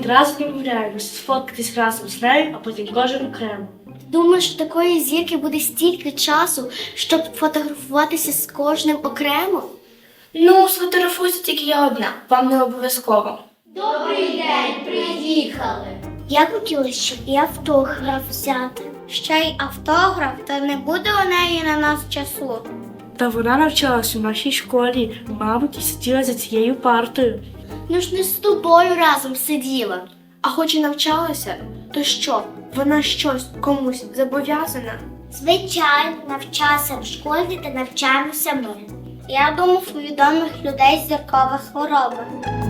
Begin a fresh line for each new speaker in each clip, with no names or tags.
одразу домовляємося сфоткатись разом з нею, а потім кожен окремо.
Думаєш, у такої зірки буде стільки часу, щоб фотографуватися з кожним окремо?
Ну, сфотографуюся тільки я одна, вам не обов'язково.
Добрий день, приїхали. Я хотіла, щоб і автограф взяти. Ще й автограф, то не буде у неї на нас часу.
Та вона навчалась у нашій школі, мабуть, і сиділа за цією партою.
Ну ж не з тобою разом сиділа.
А хоч і навчалася, то що, вона щось комусь зобов'язана?
Звичайно, навчався в школі та навчаємося ми. Я думав, у відомих людей зіркова хвороба.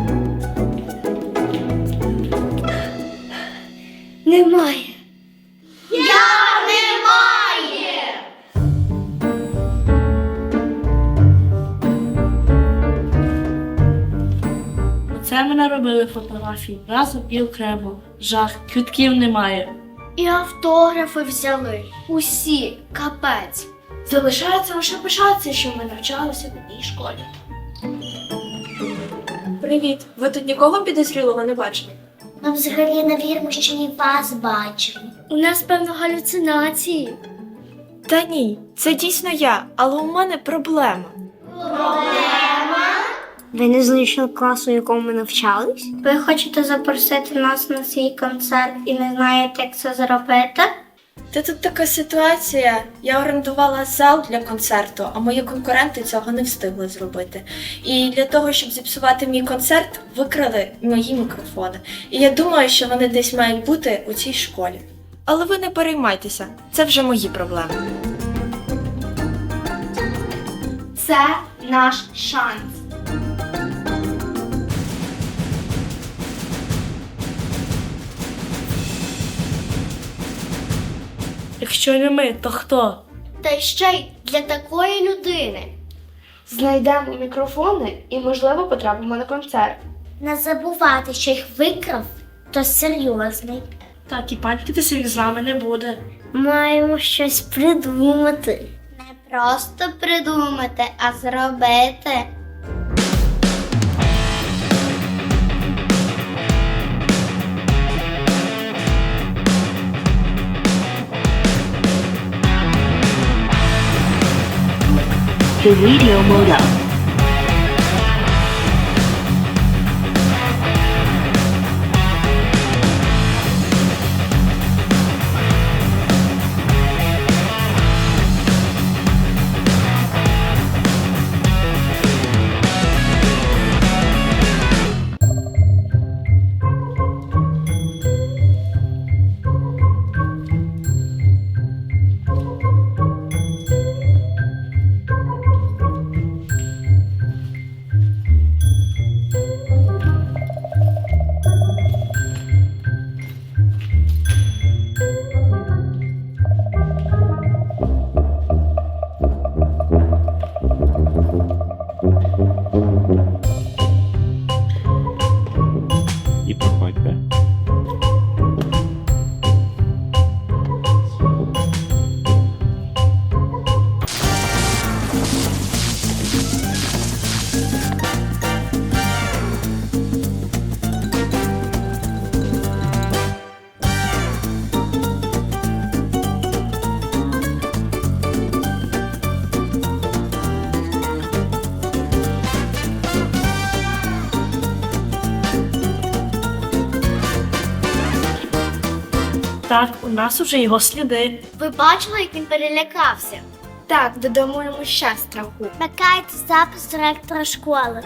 Немає. Як немає?
Оце ми наробили фотографії разом і окремо. Жах, квитків немає.
І автографи взяли. Усі, капець.
Залишається лише пишатися, що ми навчалися в одній школі.
Привіт. Ви тут нікого підозрілого не бачили?
Ми взагалі не віримо, що і вас бачили. У нас, певно, галюцинації.
Та ні, це дійсно я, але у мене проблема.
Ви не з личного класу, у якому ми навчались? Ви хочете запросити нас на свій концерт і не знаєте, як це зробити?
Та тут така ситуація. Я орендувала зал для концерту, а мої конкуренти цього не встигли зробити. І для того, щоб зіпсувати мій концерт, викрали мої мікрофони. І я думаю, що вони десь мають бути у цій школі. Але ви не переймайтеся, це вже мої проблеми.
Це наш шанс.
Якщо не ми, то хто?
Та ще й для такої людини.
Знайдемо мікрофони і, можливо, потрапимо на концерт.
Не забувати, що їх викрав, то серйозний.
Так, і панькатися їх з нами не буде.
Маємо щось придумати. Не просто придумати, а зробити.
The radio mode up.
І проходьте.
Так, у нас уже його сліди.
Ви бачили, як він перелякався?
Так, додому йому ще страху.
Вмикайте запис директора школи.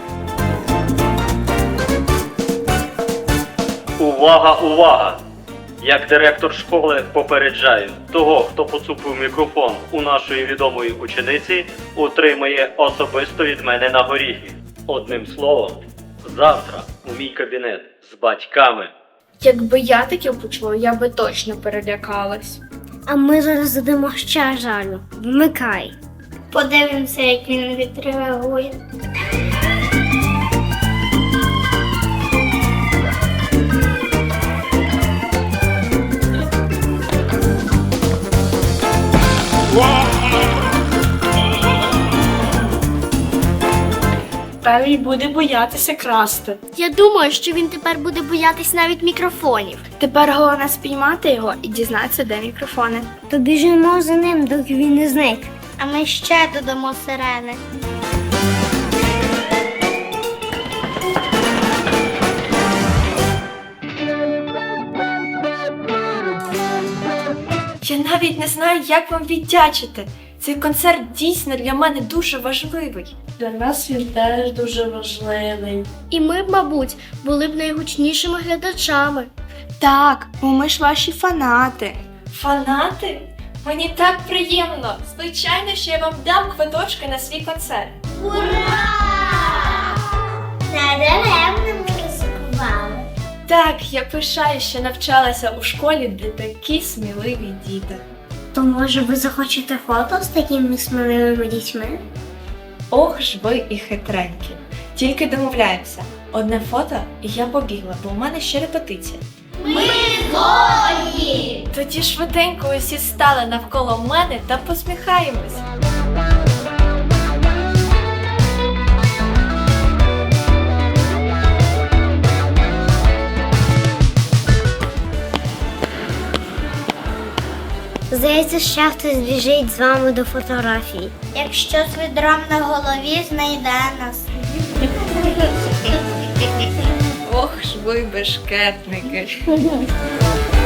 Увага, увага! Як директор школи попереджаю, того, хто поцупив мікрофон у нашої відомої учениці, отримає особисто від мене на горіхи. Одним словом, завтра у мій кабінет з батьками.
Якби я таке почула, я би точно перелякалась.
А ми зараз додамо ще жалю. Вмикай. Подивимося, як він відреагує.
тепер він буде боятися красти.
Я думаю, що він тепер буде боятись навіть мікрофонів.
Тепер головне спіймати його і дізнатися, де мікрофони.
То біжимо за ним, доки він не зник. А ми ще додамо сирени.
Я навіть не знаю, як вам віддячити. Цей концерт дійсно для мене дуже важливий.
Для нас він теж дуже важливий.
І ми, мабуть, були б найгучнішими глядачами.
Так, бо ми ж ваші фанати. Фанати? Мені так приємно. Звичайно, що я вам дам квиточки на свій концерт.
Ура! Надаремно ми ризикували.
Так, я пишаю, що навчалася у школі, де такі сміливі діти.
То може ви захочете фото з такими сміливими дітьми?
Ох ж ви і хитренькі. Тільки домовляємося. Одне фото і я побігла, бо у мене ще репетиція.
Ми згодні!
Тоді швиденько усі стали навколо мене та посміхаємось.
Здається, ще хтось біжить з вами до фотографії. Якщо з відром на голові знайде нас.
Ох ж ви бешкетники.